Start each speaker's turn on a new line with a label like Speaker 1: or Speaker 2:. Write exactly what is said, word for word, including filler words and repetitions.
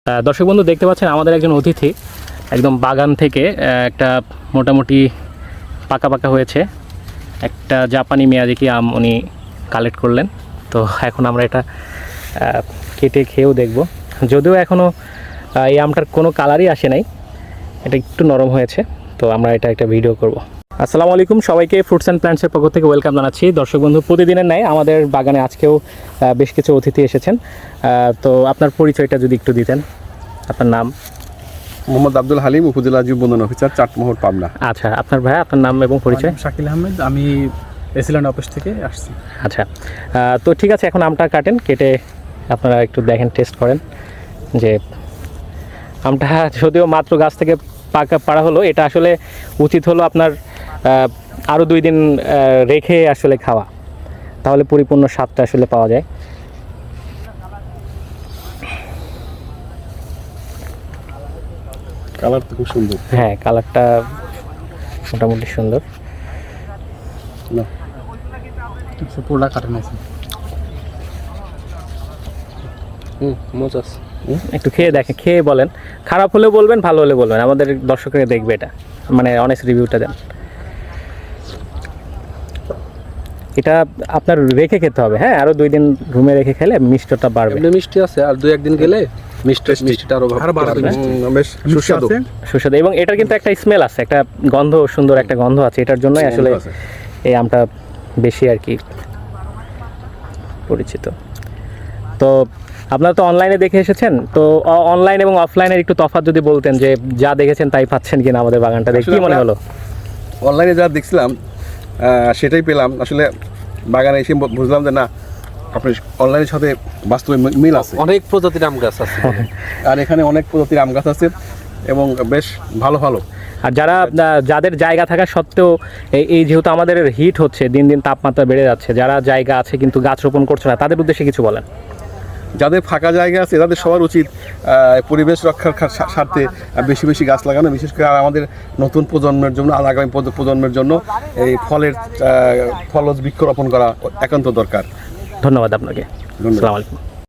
Speaker 1: দর্শক বন্ধু দেখতে পাচ্ছেন আমাদের একজন অতিথি একদম বাগান থেকে একটা মোটামুটি পাকা পাকা হয়েছে একটা জাপানি মিয়াজাকি আম উনি কালেক্ট করলেন। তো এখন আমরা এটা কেটে খেয়েও দেখব, যদিও এখনও এই আমটার কোনো কালারই আসে নাই, এটা একটু নরম হয়েছে। তো আমরা এটা একটা ভিডিও করব। আসসালামু আলাইকুম সবাইকে, ফ্রুটস অ্যান্ড প্ল্যান্টসের পক্ষ থেকে ওয়েলকাম জানাচ্ছি। দর্শক বন্ধু, প্রতিদিনের ন্যায় আমাদের বাগানে আজকেও বেশ কিছু অতিথি এসেছেন। তো আপনার পরিচয়টা যদি একটু দিতেন। আপনার নাম?
Speaker 2: মোহাম্মদ আব্দুল হালিম, উপজেলা জীব বন্ধন অফিসার, চাটমোহর, পাবনা।
Speaker 1: আচ্ছা, আপনার ভাই, আপনার নাম এবং পরিচয়?
Speaker 3: শাকিল আহমেদ, আমি এসিল্যান্ড অফিস থেকে আসছি।
Speaker 1: আচ্ছা, তো ঠিক আছে, এখন আমটা কাটেন, কেটে আপনারা একটু দেখেন, টেস্ট করেন যে আমটা যদিও মাত্র গাছ থেকে পাকা পাড়া হলো, এটা আসলে উচিত হলো আপনার আরও দুই দিন রেখে আসলে খাওয়া, তাহলে পরিপূর্ণ স্বাদটা আসলে পাওয়া যায়।
Speaker 2: কালার তো খুব সুন্দর।
Speaker 1: হ্যাঁ, কালারটা মোটামুটি সুন্দর।
Speaker 2: না
Speaker 3: পুরোটা কাটেন আছে।
Speaker 2: হুম মজা।
Speaker 1: একটু খেয়ে দেখেন, খেয়ে বলেন, খারাপ হলে বলবেন, ভালো হলে বলবেন, আমাদের দর্শকরা দেখবে এটা, মানে অনেস্ট রিভিউটা দেন। এটা আপনার রেখে খেতে হবে, হ্যাঁ, আরও দুই দিন রুমে রেখে খেলে মিষ্টটা বাড়বে।
Speaker 2: এমনি মিষ্টি আছে, আর দুই একদিন গেলে মিষ্টি মিষ্টিটা আরো
Speaker 3: আরো বাড়বে।
Speaker 2: বেশ সুস্বাদু
Speaker 1: সুস্বাদু, এবং এটার কিন্তু একটা স্মেল আছে, একটা গন্ধ, সুন্দর একটা গন্ধ আছে, এটার জন্যই আসলে এই আমটা বেশি আর কি পরিচিত। তো আপনারা তো অনলাইনে দেখে এসেছেন, তো অনলাইন এবং অফলাইনের একটু তফাৎ যদি বলতেন, যে যা দেখেছেন তাই পাচ্ছেন কিনা আমাদের বাগানটা দেখে, কি মনে হলো?
Speaker 2: অনলাইনে যা দেখছিলাম সেটাই পেলাম, আসলে বাগানে এসে বুঝলাম যে না, আপনার অনলাইনের সাথে বাস্তবে মিল আছে।
Speaker 4: অনেক প্রজাতির আম গাছ আছে
Speaker 2: আর এখানে অনেক প্রজাতির আম গাছ আছে এবং বেশ ভালো ভালো।
Speaker 1: আর যারা যাদের জায়গা থাকা সত্ত্বেও এই এই যেহেতু আমাদের হিট হচ্ছে, দিন দিন তাপমাত্রা বেড়ে যাচ্ছে, যারা জায়গা আছে কিন্তু গাছ রোপণ করছে না, তাদের উদ্দেশ্যে কিছু বলেন।
Speaker 2: যাদের ফাঁকা জায়গা আছে তাদের সবার উচিত পরিবেশ রক্ষার স্বার্থে বেশি বেশি গাছ লাগানো, বিশেষ করে আমাদের নতুন প্রজন্মের জন্য, আগামী প্রজন্মের জন্য এই ফলের ফলজ বৃক্ষরোপণ করা একান্ত দরকার।
Speaker 1: ধন্যবাদ আপনাকে।
Speaker 2: ধন্যবাদ।
Speaker 1: আসসালামু আলাইকুম।